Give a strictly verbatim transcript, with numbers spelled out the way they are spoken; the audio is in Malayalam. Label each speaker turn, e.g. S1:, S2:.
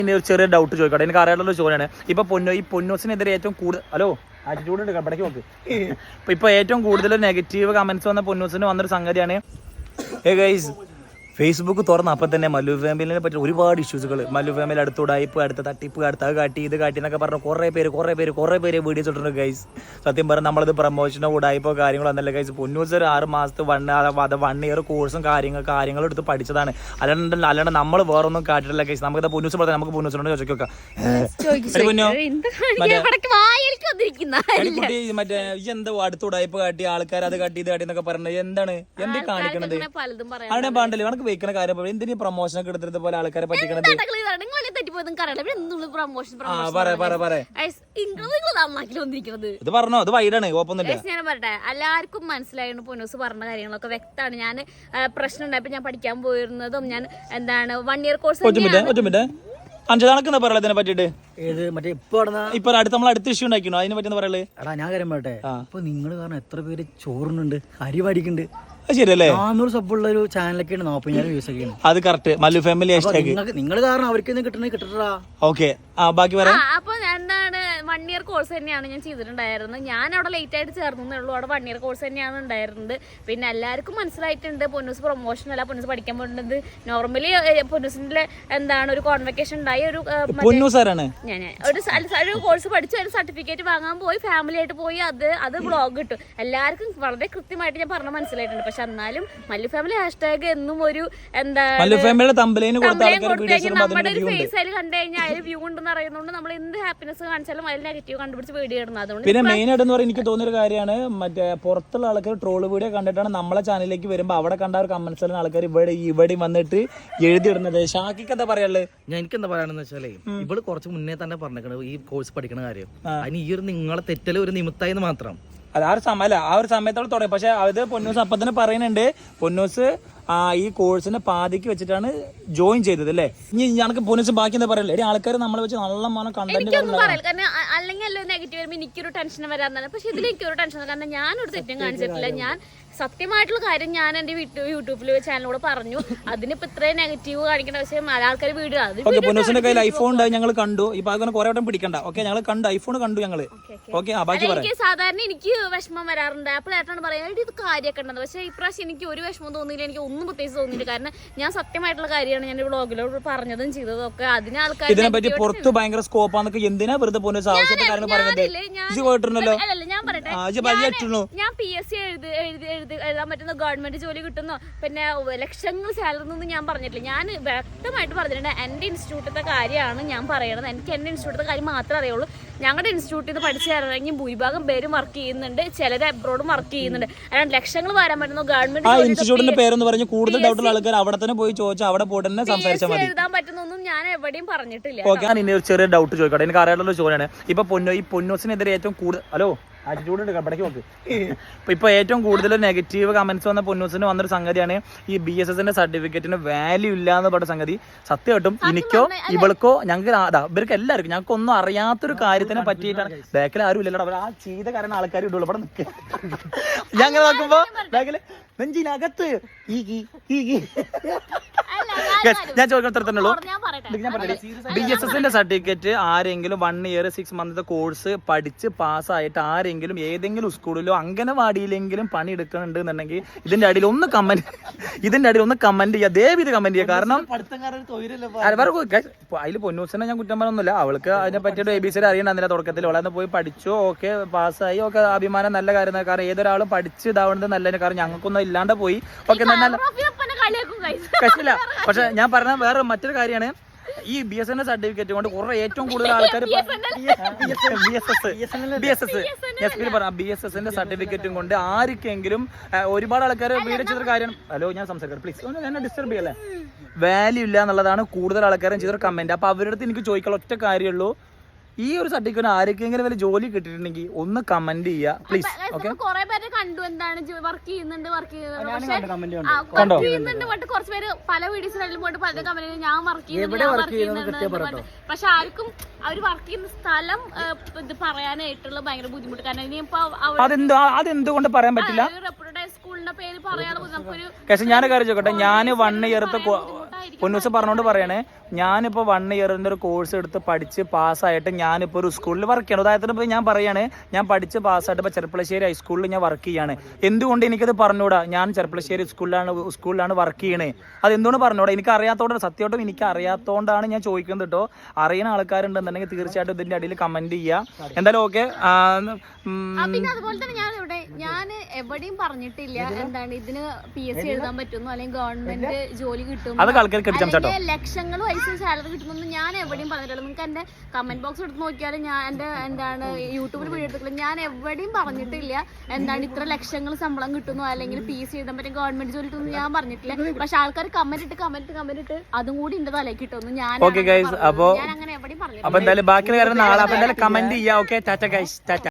S1: ഇനി ഒരു ചെറിയ ഡൗട്ട് ചോദിക്കട്ടെ, എനിക്ക് അറിയാനുള്ള ചോദ്യമാണ്. ഇപ്പൊ പൊന്നോ ഈ പൊന്നൂസിനെതിരെ ഏറ്റവും കൂടുതൽ ഹലോ ആറ്റിറ്റ്യൂഡ് ഉണ്ട് കടക്ക് നോക്ക്. ഇപ്പൊ ഏറ്റവും കൂടുതൽ നെഗറ്റീവ് കമന്റ്സ് വന്ന പൊന്നൂസിന് വന്നൊരു സംഗതിയാണ്, ഏ ഗൈസ് ഫേസ്ബുക്ക് തുറന്ന അപ്പം തന്നെ മല്ലു ഫാമിലിനെ പറ്റി ഒരുപാട് ഇഷ്യൂസുകൾ, മല്ലു ഫാമിലി അടുത്ത ഉടായ്പ്, അടുത്ത തട്ടിപ്പ്, അടുത്ത അത് കാട്ടി ഇത് കാട്ടി എന്നൊക്കെ പറഞ്ഞ് കുറേ പേര് കുറേ പേര് കുറേ പേര് വീഡിയോസ് ഇട്ടിട്ടുണ്ട് ഗൈസ്. സത്യം പറഞ്ഞാൽ നമ്മളത് പ്രമോഷനോ ഉടായ്പോ കാര്യങ്ങളോ എന്നല്ല ഗൈസ്. പൊന്നൂസ് ഒരു ആറ് മാസത്തെ വൺ അത് വൺ ഇയർ കോഴ്സും കാര്യങ്ങൾ കാര്യങ്ങളും എടുത്ത് പഠിച്ചതാണ്. അല്ലാണ്ട് അല്ലാണ്ട് നമ്മൾ വേറൊന്നും കാട്ടിട്ടില്ല ഗൈസ്. നമുക്ക് പൊന്നൂസ് പറഞ്ഞാൽ നമുക്ക് പൊന്നൂസിനോട് ചോദിച്ചു നോക്കാം. മറ്റേ ഈ എന്താ അടുത്ത ഉടായ്പ കാട്ടി ആൾക്കാർ അത് കാട്ടി ഇത് കാട്ടി എന്നൊക്കെ പറഞ്ഞത് എന്താണ് എന്ത് കാണിക്കണത്? അവിടെ പാണ്ടല്ലേ കണക്ക് വെക്കുന്ന കാര്യം എന്തിനു പ്രൊമോഷൻ ഒക്കെ എടുത്തിട്ട് പോലെ ആൾക്കാരെ പറ്റിക്കണത്? ഇത് പറഞ്ഞോ, അത് വൈഡാണ്, കുഴപ്പമൊന്നുമില്ല.
S2: ഞാൻ പറയട്ടെ, എല്ലാവർക്കും മനസ്സിലായിരുന്നു പൊന്നൂസ് പറഞ്ഞ കാര്യങ്ങളൊക്കെ വ്യക്തമാണ്. ഞാൻ പ്രശ്നം ഉണ്ടായപ്പോ ഞാൻ പഠിക്കാൻ പോയിരുന്നതും ഞാൻ എന്താണ് വൺ ഇയർ കോഴ്സ്
S1: അഞ്ചാണക്കെന്താ പറയാ ഇതിനെ പറ്റിട്ട്?
S3: ഏത് മറ്റേ ഇപ്പൊ
S1: ഇപ്പൊ അടുത്ത് നമ്മൾ അടുത്ത ഇഷ്യൂ ഉണ്ടാക്കിയോ അതിനെ പറ്റി പറയല്?
S3: എടാ ഞാൻ കാര്യം പറയട്ടെ, ഇപ്പൊ നിങ്ങൾ കാരണം എത്ര പേര് ചോറിനുണ്ട്, അരി പഠിക്കുന്നുണ്ട്.
S1: ശരിയല്ലേ?
S3: നാനൂറ് സബുള്ള ഒരു ചാനലൊക്കെയാണ് നാപ്പതിനായിരം വ്യൂസ് ഒക്കെയാണ്.
S1: അത് കറക്റ്റ്. മല്ലു ഫാമിലി
S3: നിങ്ങൾ കാരണം അവർക്ക് കിട്ടണേ കിട്ടട്ടാ.
S1: ഓക്കെ, ബാക്കി പറയാം.
S2: അപ്പൊ എന്താണ് വൺ ഇയർ കോഴ്സ് തന്നെയാണ് ഞാൻ ചെയ്തിട്ടുണ്ടായിരുന്നത്. ഞാൻ അവിടെ ലേറ്റ് ആയിട്ട് ചേർന്നേ ഉള്ളൂ. അവിടെ വൺ ഇയർ കോഴ്സ് തന്നെയാണ് ഉണ്ടായിരുന്നത്. പിന്നെ എല്ലാവർക്കും മനസ്സിലായിട്ടുണ്ട് പൊന്നൂസ് പ്രൊമോഷൻ അല്ല, പൊന്നൂസ് പഠിക്കാൻ പോകുന്നത്. നോർമലി പൊന്നൂസിന്റെ എന്താണ് ഒരു കോൺവെക്കേഷൻ ഉണ്ടായി, ഒരു ഞാൻ ഒരു കോഴ്സ് പഠിച്ചു ഒരു സർട്ടിഫിക്കറ്റ് വാങ്ങാൻ പോയി, ഫാമിലി ആയിട്ട് പോയി. അത് അത് വ്ളോഗ് കിട്ടും. എല്ലാവർക്കും വളരെ കൃത്യമായിട്ട് ഞാൻ പറഞ്ഞ മനസ്സിലായിട്ടുണ്ട്. പക്ഷെ എന്നാലും മല്ലു ഫാമിലി ഹാഷ്ടാഗ് എന്നും ഒരു എന്താണ് നമ്മുടെ ഒരു ഫേസ് അതിൽ കണ്ടു കഴിഞ്ഞാൽ അതിൽ വ്യൂ ഉണ്ടെന്ന് അറിയുന്നതുകൊണ്ട് നമ്മൾ എന്ത് ഹാപ്പിനെസ് കാണിച്ചാലും അതിൽ നെഗറ്റീവ് കണ്ടുപിടിച്ച് വീഡിയോ ഇടുന്നത്. അതുകൊണ്ട്
S1: പിന്നെ മെയിൻ ആയിട്ട് എന്ന് പറയുന്നത് എനിക്ക് തോന്നിയൊരു കാര്യമാണ്, മറ്റേ പുറത്തുള്ള ആൾക്കാർ ട്രോള് വീഡിയോ കണ്ടിട്ടാണ് നമ്മളെ ചാനലിലേക്ക് വരുമ്പോൾ അവിടെ കണ്ട ഒരു കമന്റ്സ് എല്ലാം ആൾക്കാർ ഇവിടെ ഇവിടെ വന്നിട്ട് എഴുതിയിടുന്നത്. ഷാക്കിക്ക് എന്താ പറയാനുള്ളത്?
S3: ഞാൻ എനിക്ക് എന്താ പറയാണെന്ന് വെച്ചാലേ, ഇവള് കുറച്ച് മുന്നേ തന്നെ പറഞ്ഞേക്കണത് ഈ കോഴ്സ് പഠിക്കണ കാര്യം. അതിന് ഈ ഒരു നിങ്ങളെ തെറ്റല് ഒരു നിമിത്തായെന്ന് മാത്രം.
S1: അത് ആ ഒരു സമയമല്ല, ആ ഒരു സമയത്തോടെ തുടങ്ങി. പക്ഷെ അത് പൊന്നൂസ് അപ്പം തന്നെ പറയുന്നുണ്ട്, പൊന്നൂസ് ആ ഈ കോഴ്സിനെ പാതിക്ക് വെച്ചിട്ടാണ് ജോയിൻ ചെയ്തത് അല്ലേ? ഇനി ഞങ്ങൾക്ക് പൊന്നൂസ് ബാക്കി എന്താ പറയല്ലേ? ആൾക്കാർ നമ്മളെ വെച്ച് നല്ല മോനം കണ്ടന്റ്
S2: അല്ലെങ്കിൽ നെഗറ്റീവ് വരുമ്പോൾ എനിക്കൊരു ടെൻഷൻ വരാറുണ്ട്. പക്ഷെ ഇതിൽ എനിക്കൊരു ടെൻഷൻ, കാരണം ഞാനൊരു തെറ്റും കാണിച്ചിട്ടില്ല. ഞാൻ സത്യമായിട്ടുള്ള കാര്യം ഞാൻ എന്റെ യൂട്യൂബിൽ ചാനലിലൂടെ പറഞ്ഞു. അതിനിപ്പോ ഇത്രയും നെഗറ്റീവ് കാണിക്കേണ്ട പക്ഷേ ആൾക്കാർ വീഡിയോ
S1: പൊന്നൂസിന്റെ കയ്യിൽ ഐഫോൺ ഉണ്ടായി ഞങ്ങൾ കണ്ടു. ഇപ്പൊ അങ്ങനെ കുറെ വട്ടം പിടിക്കണ്ട. ഓക്കെ, ഞങ്ങൾ കണ്ടു, ഐഫോൺ കണ്ടു ഞങ്ങള്. ഓക്കെ,
S2: എനിക്ക് സാധാരണ എനിക്ക് വിഷമം വരാറുണ്ട്. അപ്പോഴായിട്ടാണ് പറയുന്നത് ഇത് കാര്യമൊക്കെ ഉണ്ടത്. പക്ഷെ ഇപ്രാവശ്യം എനിക്ക് ഒരു വിഷമം തോന്നിയില്ല, എനിക്ക് ഒന്നും പ്രത്യേകിച്ച് തോന്നിയില്ല. കാരണം ഞാൻ സത്യമായിട്ടുള്ള കാര്യമാണ് ഞാൻ വ്ളോഗിലോട് പറഞ്ഞതും ചെയ്തതും ഒക്കെ. അതിന് ആൾക്കാർ
S1: ഇതിനെ പറ്റി പുറത്ത് ഭയങ്കര സ്കോപ്പാന്നൊക്കെ എന്തിനാ വെറുതെ പൊന്നൂസ് ആവശ്യത്തെ കാര്യം പറയുന്നത്?
S2: ഞാൻ പറയട്ടെ, ഞാൻ പി എസ് സി എഴുതി എഴുതി എഴുതി എഴുതാൻ പറ്റുന്ന ഗവൺമെന്റ് ജോലി കിട്ടുന്നോ പിന്നെ ലക്ഷങ്ങൾ സാലറി ഒന്നും ഞാൻ പറഞ്ഞിട്ടില്ല. ഞാൻ വ്യക്തമായിട്ട് പറഞ്ഞിട്ടുണ്ട് എന്റെ ഇൻസ്റ്റിറ്റ്യൂട്ടിലത്തെ കാര്യമാണ് ഞാൻ പറയണത്. എനിക്ക് എന്റെ ഇൻസ്റ്റിറ്റ്യൂട്ടിലെ കാര്യം മാത്രമേ അറിയുള്ളൂ. ഞങ്ങളുടെ ഇൻസ്റ്റിറ്റ്യൂട്ടിൽ നിന്ന് പഠിച്ചിറങ്ങി ഭൂരിഭാഗം പേരും വർക്ക് ചെയ്യുന്നുണ്ട്, ചിലർ അബ്രോഡും വർക്ക് ചെയ്യുന്നുണ്ട്. അല്ലാണ്ട് ലക്ഷങ്ങൾ വരാൻ പറ്റുന്ന ഗവൺമെന്റ്
S1: ഇൻസ്റ്റിറ്റ്യൂട്ടിന്റെ പേരെന്ന് പറഞ്ഞ് കൂടുതൽ ഡൗട്ടുള്ള ആൾക്കാർ അവിടെ തന്നെ പോയി ചോദിച്ചാൽ അവിടെ പോയിട്ട് തന്നെ സംസാരിച്ചാൽ മതി.
S2: എഴുതാൻ പറ്റുന്നൊന്നും ഞാൻ എവിടെയും പറഞ്ഞിട്ടില്ല.
S1: ഓക്കെ, ഞാൻ ഇനി ഒരു ചെറിയ ഡൗട്ട് ചോദിക്കട്ടെ, എനിക്ക് അറിയാനുള്ള ചോദ്യമാണ്. ഇപ്പൊ പൊന്നോ ഈ പൊന്നൂസിനെതിരെ ഏറ്റവും കൂടുതൽ ഹലോ ആറ്റിറ്റ്യൂഡ് ഉണ്ട് കടക്ക് നോക്ക്. ഇപ്പൊ ഏറ്റവും കൂടുതൽ നെഗറ്റീവ് കമന്റ്സ് വന്ന പൊന്നൂസിന് വന്നൊരു സംഗതിയാണ് ഈ ബി എസ് എസിന്റെ സർട്ടിഫിക്കറ്റിന് വാല്യൂ ഇല്ല എന്ന് പറഞ്ഞ സംഗതി. സത്യമായിട്ടും എനിക്കോ ഇവൾക്കോ ഞങ്ങൾക്ക് അതാ ഇവർക്ക് എല്ലാവർക്കും ഞങ്ങൾക്ക് ഒന്നും അറിയാത്തൊരു കാര്യത്തിനെ പറ്റിയിട്ടാണ്. ബാക്കിൽ ആരും ഇല്ലല്ലോ, അവർ ആ ചെയ്ത കാരണം ആൾക്കാർ ഇടുള്ളൂ. ഇവിടെ നിൽക്കുക ഞങ്ങൾ നോക്കുമ്പോ ബാക്കില് നെഞ്ചിനകത്ത് ഞാൻ ചോദിക്കണല്ലോ, ബി എസ് എസിന്റെ സർട്ടിഫിക്കറ്റ് ആരെങ്കിലും one year six month course പഠിച്ച് പാസ്സായിട്ട് ആരെങ്കിലും ഏതെങ്കിലും സ്കൂളിലോ അംഗനവാടിയിലെങ്കിലും പണി എടുക്കുന്നുണ്ട് എന്നുണ്ടെങ്കിൽ ഇതിന്റെ അടിയിൽ ഒന്ന് കമന്റ് ഇതിന്റെ അടിയിൽ ഒന്ന് കമന്റ് ചെയ്യുക, ദയവ് ഇത് കമന്റ് ചെയ്യുക. കാരണം അതിൽ പൊന്നൂസിനെ ഞാൻ കുറ്റം പറഞ്ഞൊന്നുമില്ല, അവൾക്ക് അതിനെ പറ്റിയിട്ട് എ ബി സി അറിയണം. അതിന്റെ തുടക്കത്തിൽ അവളെ പോയി പഠിച്ചു, ഓക്കെ പാസ്സായി, ഓക്കെ അഭിമാനം നല്ല കാര്യം. കാരണം ഏതൊരാളും പഠിച്ച് ഇതാവുന്നത് നല്ലതിന്. കാരണം ഞങ്ങൾക്കൊന്നും ഇല്ലാണ്ട് പോയി. ഓക്കെ, കഷ്ടില്ല. പക്ഷെ ഞാൻ പറഞ്ഞ വേറെ മറ്റൊരു കാര്യമാണ്, ഈ ബി എസ് എൻ സർട്ടിഫിക്കറ്റ് കൊണ്ട് കുറെ ഏറ്റവും കൂടുതൽ ആൾക്കാർ B S S S P പറഞ്ഞ ബി എസ് എസിന്റെ സർട്ടിഫിക്കറ്റും കൊണ്ട് ആർക്കെങ്കിലും ഒരുപാട് ആൾക്കാർ വീട് ചെയ്തൊരു കാര്യം. ഹലോ, ഞാൻ സംസാരിക്കാം പ്ലീസ്, എന്നെ ഡിസ്റ്റർബ് ചെയ്യല്ലേ. വാല്യൂ ഇല്ല എന്നുള്ളതാണ് കൂടുതൽ ആൾക്കാരും ചെയ്തൊരു കമന്റ്. അപ്പൊ അവരുടെ അടുത്ത് എനിക്ക് ചോദിക്കാൻ ഒറ്റ കാര്യമുള്ളൂ, ഈ ഒരു സർട്ടിഫിക്കറ്റ് ആർക്കെങ്കിലും വല്ല ജോലി കിട്ടിയിട്ടുണ്ടെങ്കിൽ ഒന്ന് കമന്റ് ചെയ്യുക പ്ലീസ്. ഓക്കെ,
S2: കുറെ പേര് കണ്ടു എന്താണ് വർക്ക് ചെയ്യുന്നുണ്ട് വർക്ക് ചെയ്യുന്നുണ്ട് കുറച്ച് പേര് പല വീഡിയോസിലും പോയിട്ട് പല കമന്റ് ഞാൻ വർക്ക് ചെയ്യുന്നുണ്ട്. പക്ഷെ ആർക്കും അവർ വർക്ക് ചെയ്യുന്ന സ്ഥലം ഇത് പറയാനായിട്ടുള്ള ഭയങ്കര ബുദ്ധിമുട്ട്. കാരണം ഇനിയിപ്പോ
S1: അതെന്തുകൊണ്ട് പറയാൻ പറ്റില്ല,
S2: സ്കൂളിന്റെ പേര് പറയാനുള്ള നമുക്കൊരു.
S1: പക്ഷെ ഞാൻ കാര്യം ചോദിക്കട്ടെ, ഞാൻ വൺ ഇയർത്തെ പൊന്നൂസ് പറഞ്ഞോണ്ട് പറയണേ, ഞാനിപ്പോൾ വൺ ഇയറിൻ്റെ ഒരു കോഴ്സ് എടുത്ത് പഠിച്ച് പാസ്സായിട്ട് ഞാനിപ്പോൾ ഒരു സ്കൂളിൽ വർക്ക് ചെയ്യണം. ഉദാഹരണത്തിന് ഇപ്പോൾ ഞാൻ പറയാണ്, ഞാൻ പഠിച്ച് പാസ്സായിട്ട് ഇപ്പോൾ ചെർപ്പളശ്ശേരി ഹൈസ്കൂളിൽ ഞാൻ വർക്ക് ചെയ്യാണ്. എന്തുകൊണ്ട് എനിക്കത് പറഞ്ഞൂടാ? ഞാൻ ചെർപ്പളശ്ശേരി സ്കൂളിലാണ് സ്കൂളിലാണ് വർക്ക് ചെയ്യണേ. അത് എന്തുകൊണ്ട് പറഞ്ഞൂടാ? എനിക്ക് അറിയാത്തതുകൊണ്ട്, സത്യമായിട്ടും എനിക്ക് അറിയാത്തതുകൊണ്ടാണ് ഞാൻ ചോദിക്കുന്നത് കേട്ടോ. അറിയുന്ന ആൾക്കാരുണ്ടെന്നുണ്ടെങ്കിൽ തീർച്ചയായിട്ടും ഇതിൻ്റെ അടിയിൽ കമൻറ്റ് ചെയ്യുക. എന്തായാലും ഓക്കെ.
S2: പിന്നെ അതുപോലെ തന്നെ ഞാൻ ഇവിടെ ഞാൻ എവിടെയും പറഞ്ഞിട്ടില്ല എന്താണ് ഇതിന് പി എസ് സി എഴുതാൻ പറ്റുന്നു അല്ലെങ്കിൽ ഗവൺമെന്റ് ജോലി കിട്ടും, ലക്ഷങ്ങൾ പൈസ സാലറി കിട്ടുന്നു ഞാൻ എവിടെയും പറഞ്ഞിട്ടില്ല. നിങ്ങൾക്ക് എന്റെ കമന്റ് ബോക്സ് എടുത്ത് നോക്കിയാലും ഞാൻ എന്റെ എന്താണ് യൂട്യൂബിൽ വീഡിയോ എടുത്തിട്ടില്ല, ഞാൻ എവിടെയും പറഞ്ഞിട്ടില്ല എന്താണ് ഇത്ര ലക്ഷങ്ങൾ ശമ്പളം കിട്ടുന്നു അല്ലെങ്കിൽ പി എസ് സി എഴുതാൻ പറ്റും ഗവൺമെന്റ് ജോലി കിട്ടുന്നു ഞാൻ പറഞ്ഞിട്ടില്ല. പക്ഷെ ആൾക്കാർ കമന്റ് ഇട്ട് കമന്റ് കമന്റ് ഇട്ട് അതും കൂടി എന്റെ തലയ്ക്ക് കിട്ടുന്നു. ഞാൻ ഞാൻ അങ്ങനെ എവിടെയും പറഞ്ഞിട്ടില്ല.
S1: ബാക്കി നാളെ കമന്റ് ചെയ്യാം. Okay, tata guys, Tata.